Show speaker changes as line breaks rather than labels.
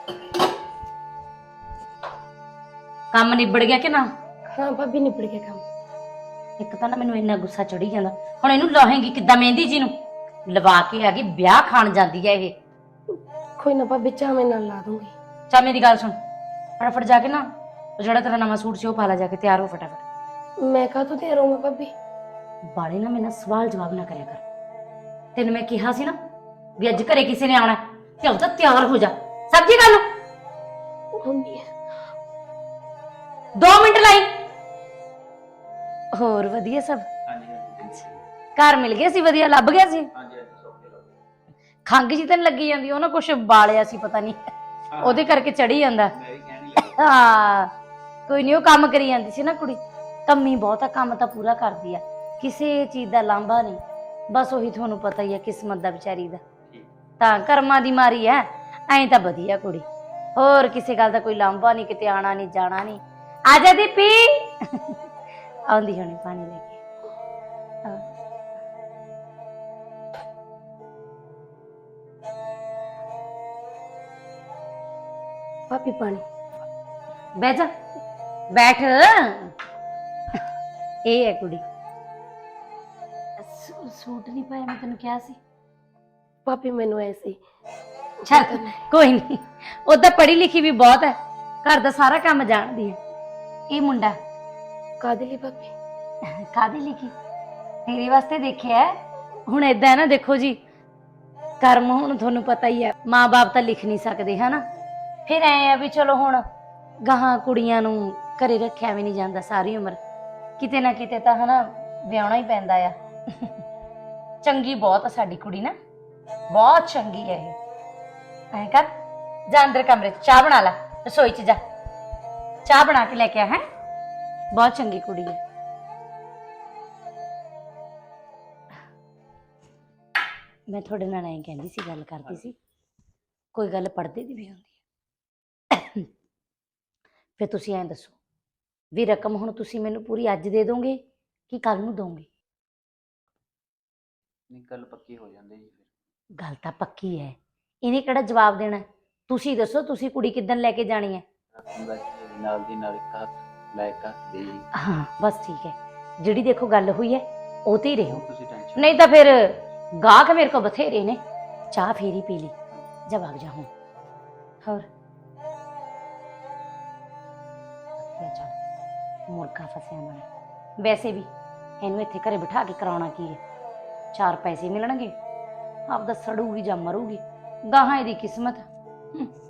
ਕੰਮ ਨਿਬੜ ਗਿਆ ਕਿ ਨਾ?
हाँ भाभी निपट गया काम।
ਇੱਕ ਤਾਂ ਨਾ ਮੈਨੂੰ ਇੰਨਾ ਗੁੱਸਾ ਚੜੀ ਜਾਂਦਾ। ਹੁਣ ਇਹਨੂੰ ਲਾਹੇਂਗੀ ਕਿੱਦਾਂ ਮਹਿੰਦੀ ਜੀ ਨੂੰ ਲਵਾ ਕੇ ਆ ਗਈ, ਵਿਆਹ ਖਾਣ ਜਾਂਦੀ ਹੈ ਇਹ।
कोई ना भाभी चाह मैं ना ला दूंगी।
ਚੱਲ ਮੇਰੀ ਗੱਲ ਸੁਣ, ਫਟਾਫਟ ਜਾ ਕੇ ਨਾ ਉਹ ਜਿਹੜਾ ਤੇਰਾ ਨਵਾਂ ਸੂਟ ਸੀ ਉਹ ਪਾ ਲਾ, ਜਾ ਕੇ ਤਿਆਰ ਹੋ ਫਟਾਫਟ।
मैं कहा तो दे रहा हूँ भाभी।
ਬਾਲੇ ਨਾ ਮੇਰੇ ਨਾਲ ਸਵਾਲ ਜਵਾਬ ਨਾ ਕਰਿਆ ਕਰ। ਤੈਨੂੰ ਮੈਂ ਕਿਹਾ ਸੀ ਨਾ ਵੀ ਅੱਜ ਘਰੇ ਕਿਸੇ ਨੇ ਆਉਣਾ ਤੇ ਉਹ ਤਾਂ ਤਿਆਰ ਹੋ ਜਾ। ਸਬਜ਼ੀ ਕਰ ਲਓ।
मम्मी
2 ਮਿੰਟ ਲਾਈ। ਹੋਰ ਵਧੀਆ ਸਭ? ਘਰ ਮਿਲ ਗਿਆ ਸੀ? ਵਧੀਆ ਲੱਭ ਗਿਆ ਸੀ? ਖੰਗ ਜੀ ਤੈਨੂੰ ਲੱਗੀ ਜਾਂਦੀ, ਉਹ ਨਾ ਕੁਛ ਬਾਲਿਆ ਸੀ ਪਤਾ ਨਹੀਂ, ਉਹਦੇ ਕਰਕੇ ਚੜੀ ਜਾਂਦਾ। ਹਾਂ ਕੋਈ ਨਹੀਂ, ਉਹ ਕੰਮ ਕਰੀ ਜਾਂਦੀ ਸੀ ਨਾ ਕੁੜੀ। ਕੰਮੀ ਬਹੁਤ ਆ, ਕੰਮ ਤਾਂ ਪੂਰਾ ਕਰਦੀ ਆ, ਕਿਸੇ ਚੀਜ਼ ਦਾ ਲਾਂਭਾ ਨਹੀਂ। ਬਸ ਉਹੀ ਤੁਹਾਨੂੰ ਪਤਾ ਹੀ ਆ ਕਿਸਮਤ ਦਾ ਵਿਚਾਰੀ ਦਾ, ਤਾਂ ਕਰਮਾਂ ਦੀ ਮਾਰੀ ਐ। ਐਂ ਤਾਂ ਵਧੀਆ ਕੁੜੀ, ਹੋਰ ਕਿਸੇ ਗੱਲ ਦਾ ਕੋਈ ਲਾਂਭਾ ਨਹੀਂ, ਕਿਤੇ ਆਣਾ ਨਹੀਂ ਜਾਣਾ ਨਹੀਂ। ਆ ਜਾ ਦੀਪੀ। ਆਉਂਦੀ ਹੋਣੀ ਪਾਣੀ ਲੈ ਕੇ।
भाभी पानी।
ਬਹਿ ਜਾ, ਬੈਠ। ਇਹ ਹੈ ਕੁੜੀ। ਸੂਟ ਨਹੀਂ ਪਾਇਆ ਮੈਂ ਤੈਨੂੰ ਕਿਹਾ ਸੀ।
भाभी मैनू ऐसे
ਚੱਲ ਕੋਈ ਨਹੀਂ, ਉਹਦਾ ਪੜ੍ਹੀ ਲਿਖੀ ਵੀ ਬਹੁਤ ਹੈ, ਘਰ ਦਾ ਸਾਰਾ ਕੰਮ ਜਾਣਦੀ ਹੈ। ਇਹ ਮੁੰਡਾ
कादली भाभी।
ਕਾਹਦੀ ਲਿਖੀ ਤੇਰੇ ਵਾਸਤੇ ਦੇਖਿਆ ਹੈ। ਹੁਣ ਏਦਾਂ ਹੈ ਨਾ, ਦੇਖੋ ਜੀ ਕਰਮ ਹੁਣ ਤੁਹਾਨੂੰ ਪਤਾ ਹੀ ਹੈ, ਮਾਂ-ਬਾਪ ਤਾਂ ਲਿਖ ਨਹੀਂ ਸਕਦੇ ਹਨਾ। ਫਿਰ ਐ ਆ ਵੀ ਚਲੋ ਹੁਣ ਗਾਹਾਂ ਕੁੜੀਆਂ ਨੂੰ ਘਰੇ ਰੱਖਿਆ ਵੀ ਨਹੀਂ ਜਾਂਦਾ ਸਾਰੀ ਉਮਰ, ਕਿਤੇ ਨਾ ਕਿਤੇ ਤਾਂ ਹਨਾ ਵਿਆਹਣਾ ਹੀ ਪੈਂਦਾ ਆ। ਚੰਗੀ ਬਹੁਤ ਆ ਸਾਡੀ ਕੁੜੀ ਨਾ, ਬਹੁਤ ਚੰਗੀ ਹੈ ਇਹ। ਐ ਕਰ, ਜਾ ਅੰਦਰ ਕਮਰੇ 'ਚ ਚਾਹ ਬਣਾ ਲੈ, ਰਸੋਈ 'ਚ ਜਾ ਚਾਹ ਬਣਾ ਕੇ ਲੈ ਕੇ ਆ। ਹੈ ਬਹੁਤ ਚੰਗੀ ਕੁੜੀ ਹੈ। ਮੈਂ ਤੁਹਾਡੇ ਨਾਲ ਐਂ ਕਹਿੰਦੀ ਸੀ, ਗੱਲ ਕਰਦੀ ਸੀ, ਕੋਈ ਗੱਲ ਪੜ੍ਹਦੇ ਦੀ ਵੀ ਹੁੰਦੀ ਹੈ। ਫਿਰ ਤੁਸੀਂ ਐਂ ਦੱਸੋ ਵੀ ਰਕਮ ਹੁਣ ਤੁਸੀਂ ਮੈਨੂੰ ਪੂਰੀ ਅੱਜ ਦੇ ਦੋਗੇ ਕਿ ਕੱਲ ਨੂੰ ਦੋਗੇ?
ਨਹੀਂ, ਗੱਲ ਪੱਕੀ ਹੋ ਜਾਂਦੀ ਜੀ। ਫਿਰ
ਗੱਲ ਤਾਂ ਪੱਕੀ ਹੈ, ਇਹਨੇ ਕਿਹੜਾ ਜਵਾਬ ਦੇਣਾ? ਤੁਸੀਂ ਦੱਸੋ, ਤੁਸੀਂ ਕੁੜੀ ਕਿੱਦਣ ਲੈ ਕੇ ਜਾਣੀ ਹੈ?
ਰਕਮ ਦਾ ਕੀ, ਨਾਲ ਦੀ ਨਾਲ ਇੱਕ ਹੱਥ ਲੈ ਕੇ ਹੱਥ ਦੇ ਜੀ।
ਹਾਂ ਬਸ ਠੀਕ ਹੈ, ਜਿਹੜੀ ਦੇਖੋ ਗੱਲ ਹੋਈ ਹੈ ਉਹ ਤੇ ਹੀ ਰਹੋ,
ਤੁਸੀਂ ਟੈਨਸ਼ਨ
ਨਹੀਂ ਤਾਂ ਫਿਰ ਗਾਹਕ ਮੇਰੇ ਕੋਲ ਬਥੇਰੇ ਨੇ। ਚਾਹ ਫੇਰੀ ਪੀ ਲਈ, ਜਵਾਬ ਜਾ ਹੁਣ। ਹੋਰ ਚੱਲ, ਮੁਰਗਾ ਫਸਿਆ ਮੈਂ। ਵੈਸੇ ਵੀ ਇਹਨੂੰ ਇੱਥੇ ਘਰੇ ਬਿਠਾ ਕੇ ਕਰਾਉਣਾ ਕੀ ਹੈ? 4 ਪੈਸੇ ਮਿਲਣਗੇ, ਆਪਦਾ ਸੜੂਗੀ ਜਾਂ ਮਰੂਗੀ, ਗਾਹਾਂ ਇਹਦੀ ਕਿਸਮਤ।